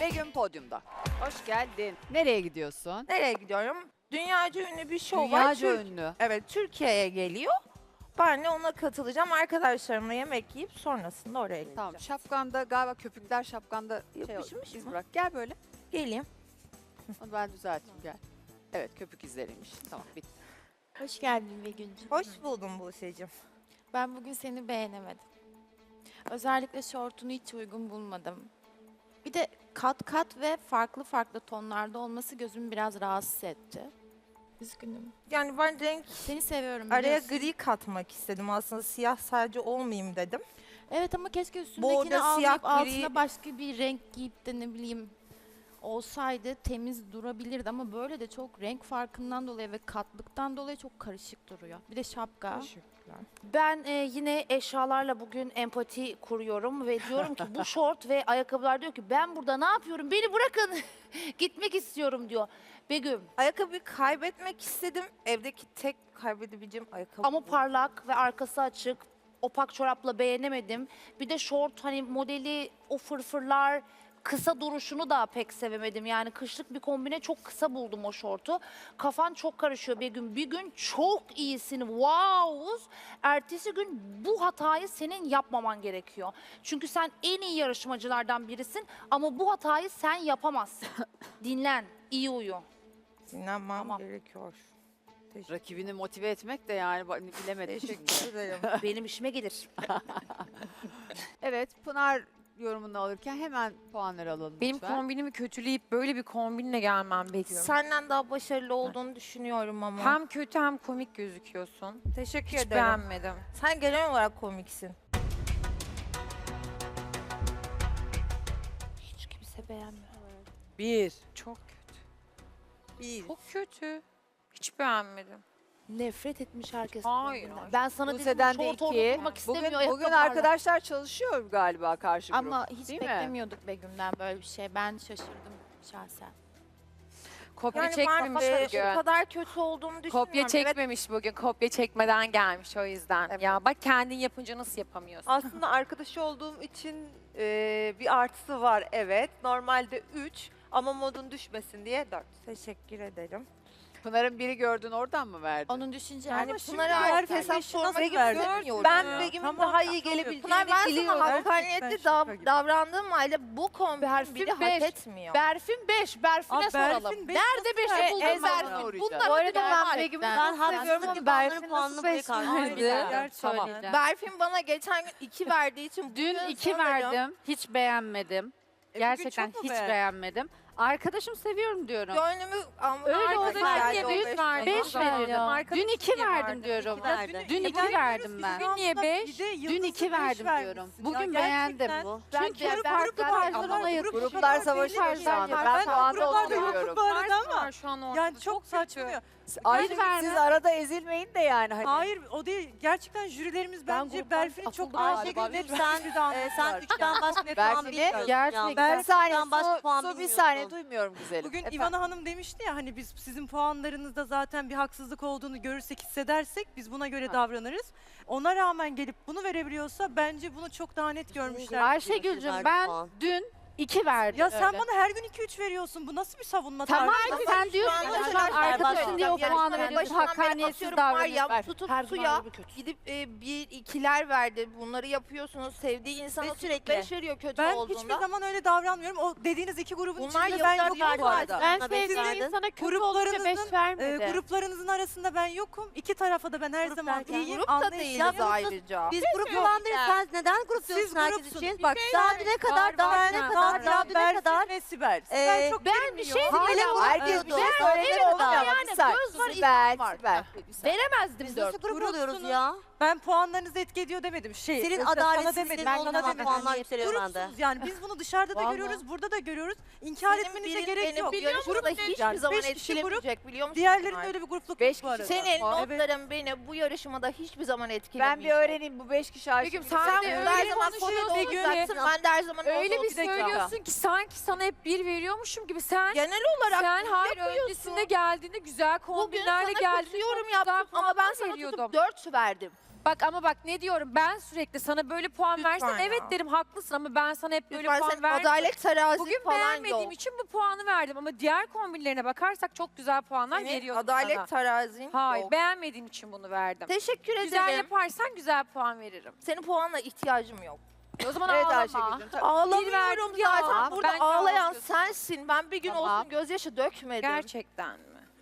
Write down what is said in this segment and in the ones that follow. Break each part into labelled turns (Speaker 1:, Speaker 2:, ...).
Speaker 1: Begüm podyumda. Hoş geldin. Nereye gidiyorsun?
Speaker 2: Nereye gidiyorum? Dünyaca ünlü bir şov var.
Speaker 1: Dünyaca ünlü.
Speaker 2: Evet, Türkiye'ye geliyor. Ben de ona katılacağım. Arkadaşlarımla yemek yiyip sonrasında oraya gideceğim.
Speaker 1: Tamam, şapkanda galiba köpükler şapkanda
Speaker 2: Yapışmış
Speaker 1: iz
Speaker 2: mı?
Speaker 1: bırak. Gel böyle.
Speaker 2: Geleyim.
Speaker 1: Onu ben düzelteyim gel. Evet, köpük izleriymiş. Tamam, bitti.
Speaker 3: Hoş geldin Begüncüğüm.
Speaker 2: Hoş buldum Buse'cim.
Speaker 3: Ben bugün seni beğenemedim. Özellikle şortunu hiç uygun bulmadım. Bir de kat kat ve farklı farklı tonlarda olması gözümü biraz rahatsız etti. Üzgünüm.
Speaker 2: Yani ben renk
Speaker 3: Seni seviyorum
Speaker 2: araya
Speaker 3: biliyorsun.
Speaker 2: gri katmak istedim. Aslında siyah sadece olmayayım dedim.
Speaker 3: Evet ama keşke üstündekini
Speaker 2: Bordo, siyah,
Speaker 3: almayıp altına
Speaker 2: gri.
Speaker 3: başka bir renk giyip de ne bileyim olsaydı temiz durabilirdi ama böyle de çok renk farkından dolayı ve katlıktan dolayı çok karışık duruyor. Bir de şapka.
Speaker 2: Teşekkürler.
Speaker 4: Ben yine eşyalarla bugün empati kuruyorum ve diyorum ki bu şort ve ayakkabılar diyor ki ben burada ne yapıyorum? Beni bırakın. Gitmek istiyorum diyor. Begüm
Speaker 2: Ayakkabıyı kaybetmek istedim. Evdeki tek kaybedebileceğim ayakkabı
Speaker 4: ama
Speaker 2: bu.
Speaker 4: parlak ve arkası açık. Opak çorapla beğenemedim. Bir de şort hani modeli o fırfırlar kısa duruşunu da pek sevemedim. Yani kışlık bir kombine çok kısa buldum o şortu. Kafan çok karışıyor Begüm. Bir gün çok iyisin. Wow. Ertesi gün bu hatayı senin yapmaman gerekiyor. Çünkü sen en iyi yarışmacılardan birisin ama bu hatayı sen yapamazsın. Dinlen, iyi uyu.
Speaker 2: Dinlenmem
Speaker 4: Tamam.
Speaker 2: gerekiyor. Teşekkür
Speaker 1: Rakibini motive etmek de yani bilemedim şimdi.
Speaker 2: Teşekkür ederim.
Speaker 4: Benim işime gelir.
Speaker 1: Evet, Pınar yorumunu alırken hemen puanları alalım
Speaker 5: Benim
Speaker 1: lütfen.
Speaker 5: kombinimi kötüleyip böyle bir kombinle gelmem bekliyorum.
Speaker 2: Senden daha başarılı olduğunu düşünüyorum ama.
Speaker 5: Hem kötü hem komik gözüküyorsun.
Speaker 2: Teşekkür
Speaker 5: Hiç
Speaker 2: ederim.
Speaker 5: beğenmedim.
Speaker 2: Sen genel olarak komiksin.
Speaker 4: Hiç kimse beğenmiyor.
Speaker 1: Bir.
Speaker 5: Çok kötü.
Speaker 2: Bir.
Speaker 5: Çok kötü. Hiç beğenmedim.
Speaker 4: Nefret etmiş herkes.
Speaker 5: Hayır.
Speaker 4: kendinden. Ben sana dedim
Speaker 1: Buse'den de
Speaker 4: şort orada
Speaker 1: iki.
Speaker 4: durmak istemiyor.
Speaker 1: Bugün
Speaker 4: ayakkabılarla.
Speaker 1: arkadaşlar çalışıyor galiba karşı grup.
Speaker 3: Ama hiç
Speaker 1: Değil mi?
Speaker 3: beklemiyorduk Begüm'den böyle bir şey. Ben şaşırdım şahsen.
Speaker 5: Kopya
Speaker 2: Yani
Speaker 5: çekmemiş
Speaker 2: ben
Speaker 5: bugün.
Speaker 2: o kadar kötü olduğumu düşünmüyorum.
Speaker 5: Kopya çekmemiş bugün. Kopya çekmeden gelmiş o yüzden. Ya bak kendin yapınca nasıl yapamıyorsun?
Speaker 6: Aslında arkadaşı olduğum için bir artısı var, evet. Normalde 3 ama modun düşmesin diye 4.
Speaker 2: Teşekkür ederim.
Speaker 1: Pınar'ın biri gördün oradan mı verdin?
Speaker 3: Onun düşünce
Speaker 2: Yani
Speaker 6: Ama şimdi
Speaker 2: Pınar'a
Speaker 6: her
Speaker 2: ait hesap
Speaker 6: beşi
Speaker 2: sormak
Speaker 6: nasıl verdi?
Speaker 2: istemiyorum.
Speaker 6: Ben Begüm'ün daha iyi
Speaker 2: Pınar
Speaker 6: gelebileceğini
Speaker 2: ben sana
Speaker 6: biliyorum.
Speaker 2: hakkaniyetli davrandığım halde bu kombin
Speaker 4: Berfin
Speaker 2: bile hak
Speaker 4: beş.
Speaker 2: etmiyor.
Speaker 4: Berfin 5. Berfin'e soralım. Nerede 5'i buldun
Speaker 1: Ezber'e
Speaker 4: Berfin?
Speaker 1: uğrayacağım.
Speaker 4: Bunlar
Speaker 3: Bu arada
Speaker 4: ben
Speaker 3: ben
Speaker 4: Begüm'ü
Speaker 3: Ben
Speaker 7: haksızlık ki Berfin puanını buraya kaldı.
Speaker 1: Tamam.
Speaker 2: Berfin bana geçen gün 2 verdiği için
Speaker 8: Dün
Speaker 2: bugün
Speaker 8: 2
Speaker 2: sanırım-
Speaker 8: verdim. Hiç beğenmedim. Gerçekten
Speaker 6: çok mu
Speaker 8: hiç
Speaker 6: beğendin?
Speaker 8: beğenmedim. Arkadaşım seviyorum diyorum.
Speaker 2: Gönlümü ama
Speaker 8: Öyle
Speaker 2: arkadaşlar
Speaker 8: oldu,
Speaker 2: geldi
Speaker 5: niye
Speaker 2: o
Speaker 5: büyük
Speaker 2: beş
Speaker 5: verdin?
Speaker 2: bana.
Speaker 8: 5 verdim. Dün 2
Speaker 5: niye
Speaker 8: verdim
Speaker 5: verdin?
Speaker 8: diyorum.
Speaker 7: verdi.
Speaker 8: Dün 2 verdim ben.
Speaker 5: Bugün niye 5?
Speaker 8: Dün 2 verdim diyorum. Bugün beğendim. Çünkü
Speaker 1: Gruplar savaşıyor şu anda. Ben puanda oturuyorum.
Speaker 6: Bu arada ama
Speaker 5: Var şu an ortada.
Speaker 6: yani çok saçmıyor.
Speaker 1: Ayrıca
Speaker 8: vermem.
Speaker 1: siz arada ezilmeyin de yani. Hani.
Speaker 6: Hayır o değil. Gerçekten jürilerimiz bence Berfin'i çok daha
Speaker 7: Ayşegül
Speaker 6: net
Speaker 7: sen, sen 3'ten başka
Speaker 6: Net
Speaker 7: puan
Speaker 1: Berfin'i
Speaker 7: bilmiyorsun.
Speaker 8: gerçekten-
Speaker 1: Bir saniye
Speaker 7: Üçten başka
Speaker 1: Su,
Speaker 7: puan
Speaker 1: Su bir
Speaker 7: bilmiyorsun.
Speaker 1: saniye duymuyorum güzelim.
Speaker 6: Bugün
Speaker 1: Efendim?
Speaker 6: İvana Hanım demişti ya hani biz sizin puanlarınızda zaten bir haksızlık olduğunu görürsek, hissedersek biz buna göre davranırız. Ona rağmen gelip bunu verebiliyorsa bence bunu çok daha net görmüşler.
Speaker 8: Ayşegül'cüm ben dün 2 verdim.
Speaker 6: Ya sen bana her gün 2-3 veriyorsun. Bu nasıl bir savunma
Speaker 8: Tamam
Speaker 6: tarzı?
Speaker 8: sen diyorsun
Speaker 2: Şu
Speaker 8: ki
Speaker 2: an
Speaker 8: şu an
Speaker 2: mesela
Speaker 8: arkadaşın diye o
Speaker 2: yarışmanın
Speaker 8: puanı veriyorsun.
Speaker 2: başından beri
Speaker 8: Hakkaniyetsiz
Speaker 2: atıyorum var
Speaker 8: davranıyorsun.
Speaker 2: ya,
Speaker 8: Ver.
Speaker 2: tutup
Speaker 4: Her
Speaker 2: suya
Speaker 4: zaman bir kötü.
Speaker 2: gidip bir ikiler verdi. Bunları yapıyorsunuz. Sevdiği insana
Speaker 4: Ve
Speaker 2: tutup
Speaker 4: sürekli.
Speaker 2: 5 veriyor kötü
Speaker 6: Ben
Speaker 2: olduğunda.
Speaker 6: hiçbir zaman öyle davranmıyorum. O dediğiniz iki grubun
Speaker 2: Bunlar
Speaker 6: içinde ben
Speaker 2: yıllar
Speaker 6: yokum
Speaker 2: verdi
Speaker 6: bu arada.
Speaker 8: Ben
Speaker 7: Buna beş
Speaker 8: sevdiğim
Speaker 7: verdin.
Speaker 8: insana kötü olunca 5
Speaker 6: Gruplarınızın,
Speaker 8: vermedim.
Speaker 6: Gruplarınızın arasında ben yokum. İki tarafa da ben her zaman
Speaker 7: derken?
Speaker 6: iyiyim.
Speaker 2: Grup da
Speaker 6: anlayışlıyım.
Speaker 2: değiliz ayrıca.
Speaker 7: Biz grup falan değiliz. Sen neden grup
Speaker 6: Siz
Speaker 7: diyorsun herkes
Speaker 6: grupsun.
Speaker 7: için?
Speaker 6: Bak
Speaker 7: Daha düne kadar, daha düne kadar, daha düne
Speaker 6: Berfin
Speaker 7: kadar.
Speaker 6: ve Sibel. Sibel çok
Speaker 4: ben bir şey
Speaker 6: bilmiyor.
Speaker 4: diyeceğim.
Speaker 1: Herkes bir şey
Speaker 7: Ben
Speaker 1: söyledi
Speaker 7: öyle
Speaker 1: olmuyor ama
Speaker 4: yani
Speaker 1: bir saniye.
Speaker 4: göz var,
Speaker 1: Sibel,
Speaker 4: isim var.
Speaker 1: Sibel.
Speaker 4: Veremezdim
Speaker 7: Biz
Speaker 4: 4.
Speaker 7: nasıl grup
Speaker 6: Grupsunuz.
Speaker 7: oluyoruz ya?
Speaker 6: Ben puanlarınızı etki ediyor demedim.
Speaker 7: Senin
Speaker 6: sana demedim.
Speaker 7: adaletsizliğin
Speaker 6: Ben
Speaker 7: olduğu
Speaker 6: sana
Speaker 7: zaman
Speaker 6: demedim.
Speaker 7: puanlar yükseliyor bende.
Speaker 6: Grupsunuz yani biz bunu dışarıda da
Speaker 4: Vallahi.
Speaker 6: görüyoruz, burada da görüyoruz. İnkar
Speaker 2: Senin
Speaker 6: etmenize
Speaker 2: birin
Speaker 6: gerek
Speaker 2: beni
Speaker 6: yok.
Speaker 2: bu yarışmada hiçbir
Speaker 6: Yani
Speaker 2: zaman
Speaker 6: 5 kişi grup,
Speaker 2: etkilemeyecek biliyor musun?
Speaker 6: diğerlerinin
Speaker 2: Pınar?
Speaker 6: öyle bir grupluk
Speaker 1: Beş
Speaker 6: yok bu arada.
Speaker 1: kişi.
Speaker 2: Senin
Speaker 6: Evet.
Speaker 2: notların beni bu yarışmada hiçbir zaman
Speaker 1: Ben
Speaker 2: etkilemeyecek.
Speaker 1: bir öğreneyim bu 5 kişi Ayşegül.
Speaker 5: Begüm, sen
Speaker 2: Sen
Speaker 5: de
Speaker 2: burada her
Speaker 5: öyle
Speaker 2: zaman
Speaker 5: konuşuyorsun
Speaker 2: potada
Speaker 5: Begüm.
Speaker 2: olacaksın. Ben de her zaman
Speaker 5: Öyle
Speaker 2: orada
Speaker 5: bir
Speaker 2: olacağım.
Speaker 5: söylüyorsun ki sanki sana hep 1 veriyormuşum gibi. Sen
Speaker 2: Genel olarak
Speaker 5: sen
Speaker 2: bunu
Speaker 5: hayır
Speaker 2: yapıyorsun.
Speaker 5: öncesinde geldiğinde güzel
Speaker 2: Bugün
Speaker 5: kombinlerle
Speaker 2: sana
Speaker 5: geldiğinde
Speaker 2: kötü yorum
Speaker 5: çok
Speaker 2: yaptım
Speaker 5: güzel
Speaker 2: ama ben
Speaker 5: puanlar
Speaker 2: sana
Speaker 5: veriyordum.
Speaker 2: tutup 4 verdim.
Speaker 5: Bak ama bak ne diyorum ben sürekli sana böyle puan
Speaker 2: Lütfen
Speaker 5: versen
Speaker 2: ya.
Speaker 5: evet derim haklısın ama ben sana hep böyle
Speaker 2: Lütfen
Speaker 5: puan
Speaker 2: sen
Speaker 5: vermiyorum.
Speaker 2: adalet terazin
Speaker 5: Bugün
Speaker 2: falan
Speaker 5: beğenmediğim
Speaker 2: yok.
Speaker 5: için bu puanı verdim ama diğer kombinlerine bakarsak çok güzel puanlar
Speaker 2: Senin
Speaker 5: veriyordum
Speaker 2: adalet
Speaker 5: sana.
Speaker 2: terazin
Speaker 5: Hayır
Speaker 2: yok.
Speaker 5: beğenmediğim için bunu verdim.
Speaker 2: Teşekkür
Speaker 5: Güzel
Speaker 2: ederim.
Speaker 5: yaparsan güzel puan veririm.
Speaker 2: Senin puanla ihtiyacım yok.
Speaker 5: O zaman
Speaker 8: Evet
Speaker 5: ağlama.
Speaker 8: Ayşegül'cüm. tabii.
Speaker 2: Ağlamıyorum
Speaker 5: verdim,
Speaker 2: zaten.
Speaker 5: tamam.
Speaker 2: Burada
Speaker 5: Bence
Speaker 2: ağlayan
Speaker 5: ağlıyorsun.
Speaker 2: sensin. Ben bir gün
Speaker 8: Tamam.
Speaker 2: olsun gözyaşı dökmedim.
Speaker 5: Gerçekten mi?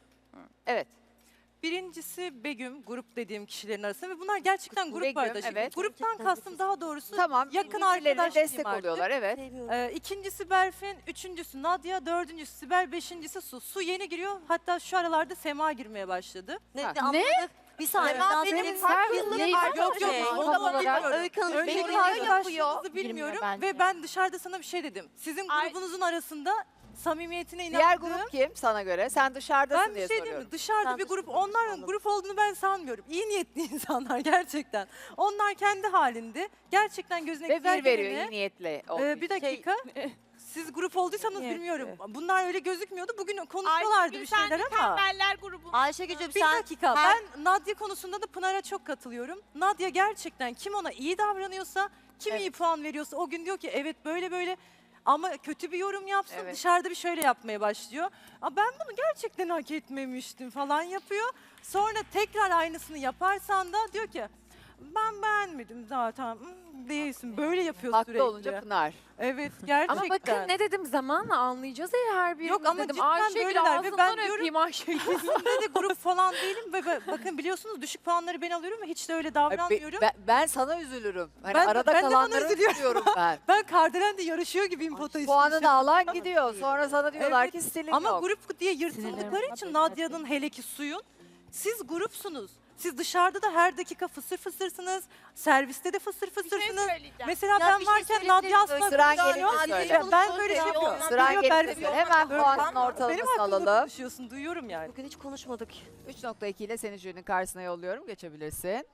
Speaker 8: Evet.
Speaker 6: Birincisi Begüm, grup dediğim kişilerin arasında ve bunlar gerçekten grup
Speaker 8: Begüm,
Speaker 6: arkadaşı.
Speaker 8: evet.
Speaker 6: Gruptan kastım daha doğrusu
Speaker 8: Tamam.
Speaker 6: yakın
Speaker 8: birbirlerine
Speaker 6: arkadaş
Speaker 8: destek
Speaker 6: diyeyim artık.
Speaker 8: oluyorlar. Evet.
Speaker 6: İkincisi Berfin, üçüncüsü Nadia, dördüncüsü Sibel, beşincisi Su. Su yeni giriyor. Hatta şu aralarda Sema girmeye başladı.
Speaker 8: Ha.
Speaker 7: Anladık. Bir saniye.
Speaker 2: Sema
Speaker 7: daha
Speaker 2: benim
Speaker 7: söyleyeyim.
Speaker 2: kaç yıllık
Speaker 5: Neyi-
Speaker 2: arkadaşım.
Speaker 6: Yok, yok,
Speaker 2: Onu
Speaker 6: onu
Speaker 2: da
Speaker 6: da
Speaker 2: bana
Speaker 6: bilmiyorum.
Speaker 2: bilmiyorum.
Speaker 7: Öykü Hanım,
Speaker 6: Önceki
Speaker 2: Benim
Speaker 7: benim
Speaker 6: arkadaşlığınızı
Speaker 3: Girmiyor
Speaker 6: bilmiyorum
Speaker 3: bence.
Speaker 6: ve ben dışarıda sana bir şey dedim. Sizin grubunuzun arasında samimiyetine
Speaker 8: Diğer
Speaker 6: inandığım.
Speaker 8: grup kim sana göre? Sen dışarıdasın
Speaker 6: Ben
Speaker 8: diye
Speaker 6: bir şey diyeyim
Speaker 8: soruyorum.
Speaker 6: mi? Dışarıda
Speaker 7: Ben
Speaker 6: bir grup,
Speaker 7: dışarıda
Speaker 6: onların
Speaker 7: sandım.
Speaker 6: grup olduğunu ben sanmıyorum. İyi niyetli insanlar gerçekten. Onlar kendi halinde. Gerçekten gözüne
Speaker 8: Ve
Speaker 6: güzel
Speaker 8: bir veriyor
Speaker 6: geleni.
Speaker 8: iyi niyetle. olduğu
Speaker 6: Bir
Speaker 8: için.
Speaker 6: dakika. Siz grup olduysanız
Speaker 2: Niyetli.
Speaker 6: bilmiyorum. Bunlar öyle gözükmüyordu. Bugün konuşuyorlardı bir şeyler ama.
Speaker 7: Ayşegül'cüm
Speaker 6: Bir
Speaker 7: sen
Speaker 6: dakika.
Speaker 7: her-
Speaker 6: Ben Nadia konusunda da Pınar'a çok katılıyorum. Nadia gerçekten kim ona iyi davranıyorsa, kim iyi puan veriyorsa o gün diyor ki evet böyle böyle ama kötü bir yorum yapsın
Speaker 8: Evet.
Speaker 6: dışarıda bir şöyle yapmaya başlıyor. Ben bunu gerçekten hak etmemiştim falan yapıyor. Sonra tekrar aynısını yaparsan da diyor ki ben beğenmedim zaten değilsin böyle yapıyor
Speaker 8: Haklı
Speaker 6: sürekli.
Speaker 8: olunca Pınar.
Speaker 6: Evet gerçekten.
Speaker 5: Ama bakın ne dedim zamanla anlayacağız ya her birimiz
Speaker 6: Yok ama
Speaker 5: dedim.
Speaker 6: cidden
Speaker 5: Ayşegül
Speaker 6: böyleler ve ben
Speaker 5: ağzından
Speaker 6: diyorum-
Speaker 5: öpeyim Ayşegül.
Speaker 6: Kesinlikle de grup falan değilim ve bakın biliyorsunuz düşük puanları ben alıyorum ve hiç de öyle davranmıyorum.
Speaker 8: Ben sana üzülürüm. Hani
Speaker 6: Ben-
Speaker 8: arada
Speaker 6: ben de ona
Speaker 8: kalanları
Speaker 6: üzülüyorum.
Speaker 8: üzülüyorum ben.
Speaker 6: Ben Kardelen'de yarışıyor gibiyim pota için.
Speaker 8: Puanını alan gidiyor. Sonra sana diyorlar
Speaker 6: Evet.
Speaker 8: ki stilin
Speaker 6: Ama
Speaker 8: yok.
Speaker 6: grup diye yırtıldıkları için Nadia'nın hele ki Suyun, siz grupsunuz. Siz dışarıda da her dakika fısır fısırsınız. Serviste de fısır fısırsınız. Mesela
Speaker 2: Ya
Speaker 6: ben
Speaker 2: bir şey
Speaker 6: varken
Speaker 2: söyleyebilir
Speaker 6: Nadia
Speaker 2: miyim?
Speaker 6: asla
Speaker 8: Sıran
Speaker 6: konuşmuyor.
Speaker 8: gelince söyle.
Speaker 6: Ben böyle şey
Speaker 2: Yok,
Speaker 6: yapıyorum.
Speaker 8: Sıran
Speaker 6: Duyuyor,
Speaker 8: gelince
Speaker 6: ben-
Speaker 8: söyle. Hemen
Speaker 2: Böyle
Speaker 8: puanın
Speaker 2: kalma.
Speaker 6: Benim
Speaker 8: ortalamasını
Speaker 6: hakkımda
Speaker 8: alalım.
Speaker 6: konuşuyorsun, duyuyorum yani.
Speaker 7: bugün hiç konuşmadık.
Speaker 8: 3.2 ile seni jürinin karşısına yolluyorum. Geçebilirsin.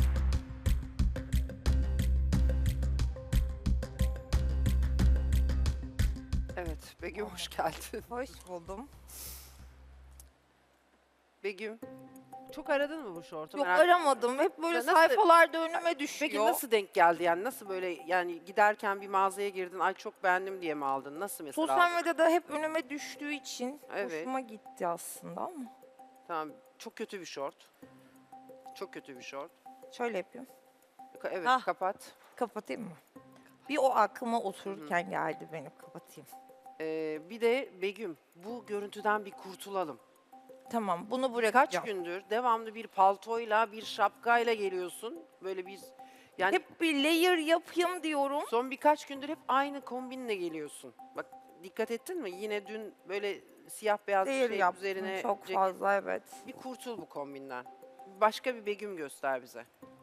Speaker 9: Evet, Begüm hoş geldin.
Speaker 2: Hoş buldum.
Speaker 9: Begüm, çok aradın mı bu şortu?
Speaker 2: Yok
Speaker 9: Merak-
Speaker 2: aramadım. Hep böyle
Speaker 9: Nasıl-
Speaker 2: sayfalarda önüme düşüyor.
Speaker 9: Peki nasıl denk geldi yani? Nasıl böyle yani giderken bir mağazaya girdin, ay çok beğendim diye mi aldın? Nasıl mesela
Speaker 2: Sosyal
Speaker 9: aldın?
Speaker 2: medyada hep önüme düştüğü için
Speaker 9: Evet.
Speaker 2: hoşuma gitti aslında ama.
Speaker 9: Tamam, çok kötü bir şort. Çok kötü bir şort.
Speaker 2: Şöyle yapayım.
Speaker 9: Evet,
Speaker 7: Hah.
Speaker 9: kapat.
Speaker 2: Kapatayım mı? Bir o aklıma otururken geldi benim kapatayım.
Speaker 9: Bir de Begüm, bu görüntüden bir kurtulalım.
Speaker 2: Tamam bunu
Speaker 9: Kaç
Speaker 2: bırakacağım.
Speaker 9: gündür devamlı bir paltoyla, bir şapkayla geliyorsun. Böyle bir yani
Speaker 2: Hep bir layer yapayım diyorum.
Speaker 9: son birkaç gündür hep aynı kombinle geliyorsun. Bak dikkat ettin mi? Yine dün böyle siyah beyaz bir
Speaker 2: Layer
Speaker 9: şey
Speaker 2: yaptım
Speaker 9: üzerine
Speaker 2: çok
Speaker 9: ceket.
Speaker 2: fazla evet.
Speaker 9: Bir kurtul bu kombinden. Başka bir Begüm göster bize.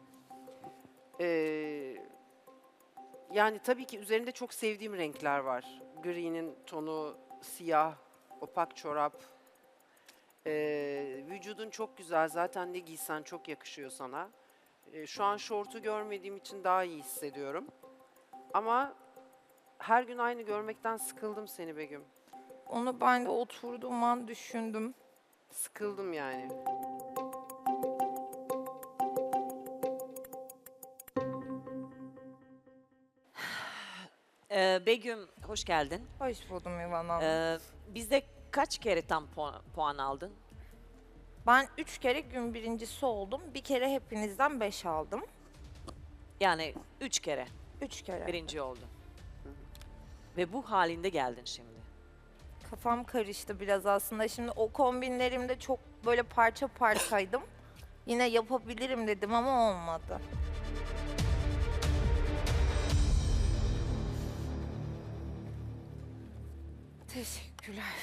Speaker 9: Yani tabii ki üzerinde çok sevdiğim renkler var. Gri'nin tonu, siyah, opak çorap. Vücudun çok güzel. Zaten ne giysen çok yakışıyor sana. Şu an şortu görmediğim için daha iyi hissediyorum. Ama her gün aynı görmekten sıkıldım seni Begüm.
Speaker 2: Onu ben de oturduğum an düşündüm.
Speaker 9: Sıkıldım yani.
Speaker 10: Begüm hoş geldin.
Speaker 2: Hoş buldum İvan Hanım.
Speaker 10: Bizde kaç kere tam puan aldın?
Speaker 2: Ben 3 kere gün birincisi oldum. Bir kere hepinizden 5 aldım.
Speaker 10: Yani 3 kere
Speaker 2: 3 kere.
Speaker 10: birinci oldun. Ve bu halinde geldin şimdi.
Speaker 2: Kafam karıştı biraz aslında. Şimdi o kombinlerimde çok böyle parça parçaydım. Yine yapabilirim dedim ama olmadı. Teşekkürler.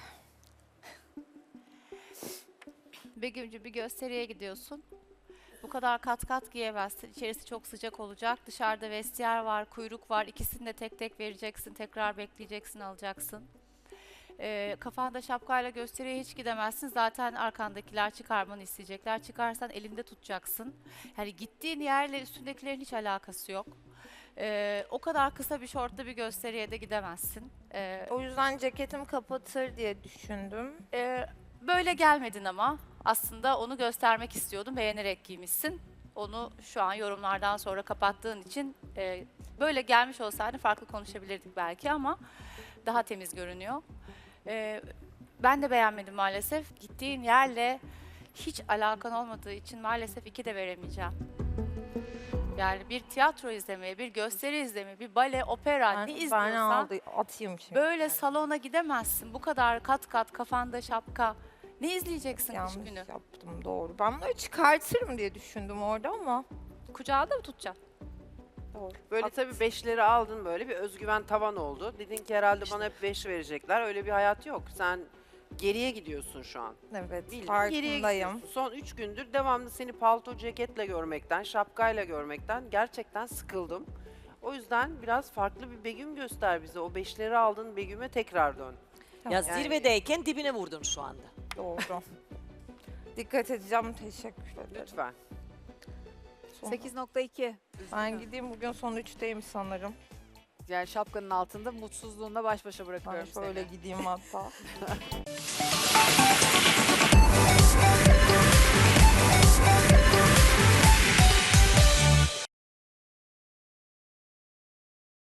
Speaker 3: Begümcü bir gösteriye gidiyorsun. Bu kadar kat kat giyemezsin. İçerisi çok sıcak olacak. Dışarıda vestiyer var, kuyruk var. İkisini de tek tek vereceksin. Tekrar bekleyeceksin, alacaksın. Kafanda şapkayla gösteriye hiç gidemezsin. Zaten arkandakiler çıkarmanı isteyecekler. Çıkarsan elinde tutacaksın. Yani gittiğin yerle üstündekilerin hiç alakası yok. O kadar kısa bir şortla bir gösteriye de gidemezsin.
Speaker 2: O yüzden ceketim kapatır diye düşündüm.
Speaker 3: Böyle gelmedin ama aslında onu göstermek istiyordum. Beğenerek giymişsin.
Speaker 11: Onu şu an yorumlardan sonra kapattığın için böyle gelmiş olsaydı farklı konuşabilirdik belki ama daha temiz görünüyor. Ben de beğenmedim maalesef. Gittiğin yerle hiç alakan olmadığı için maalesef 2 de veremeyeceğim. Yani bir tiyatro izlemeye, bir gösteri izlemeye, bir bale, opera ne
Speaker 2: Ben
Speaker 11: izliyorsan
Speaker 2: atayım şimdi.
Speaker 11: böyle salona gidemezsin. Bu kadar kat kat kafanda şapka. Ne izleyeceksin kış
Speaker 2: Yanlış
Speaker 11: günü?
Speaker 2: yaptım, doğru. Ben bunları çıkartırım diye düşündüm orada ama.
Speaker 11: Kucağı da mı tutacaksın?
Speaker 9: Böyle tabii 5'leri aldın, böyle bir özgüven tavan oldu. Dedin ki herhalde bana hep 5 verecekler. Öyle bir hayat yok. Sen geriye gidiyorsun şu an.
Speaker 2: Evet,
Speaker 9: Bildiğin geriye
Speaker 2: farkındayım.
Speaker 9: gidiyorsun. Son 3 gündür devamlı seni palto ceketle görmekten, şapkayla görmekten gerçekten sıkıldım. O yüzden biraz farklı bir Begüm göster bize. O 5'leri aldın, Begüm'e tekrar dön.
Speaker 10: Ya
Speaker 9: Yani-
Speaker 10: zirvedeyken dibine vurdun şu anda.
Speaker 2: Doğru. Dikkat edeceğim, teşekkür ederim.
Speaker 9: Lütfen.
Speaker 1: 8.2.
Speaker 2: Ben gideyim, bugün son 3'teyim sanırım.
Speaker 1: Yani şapkanın altında mutsuzluğunla baş başa
Speaker 2: Ben
Speaker 1: bırakıyorum
Speaker 2: şöyle
Speaker 1: seni.
Speaker 2: gideyim hatta.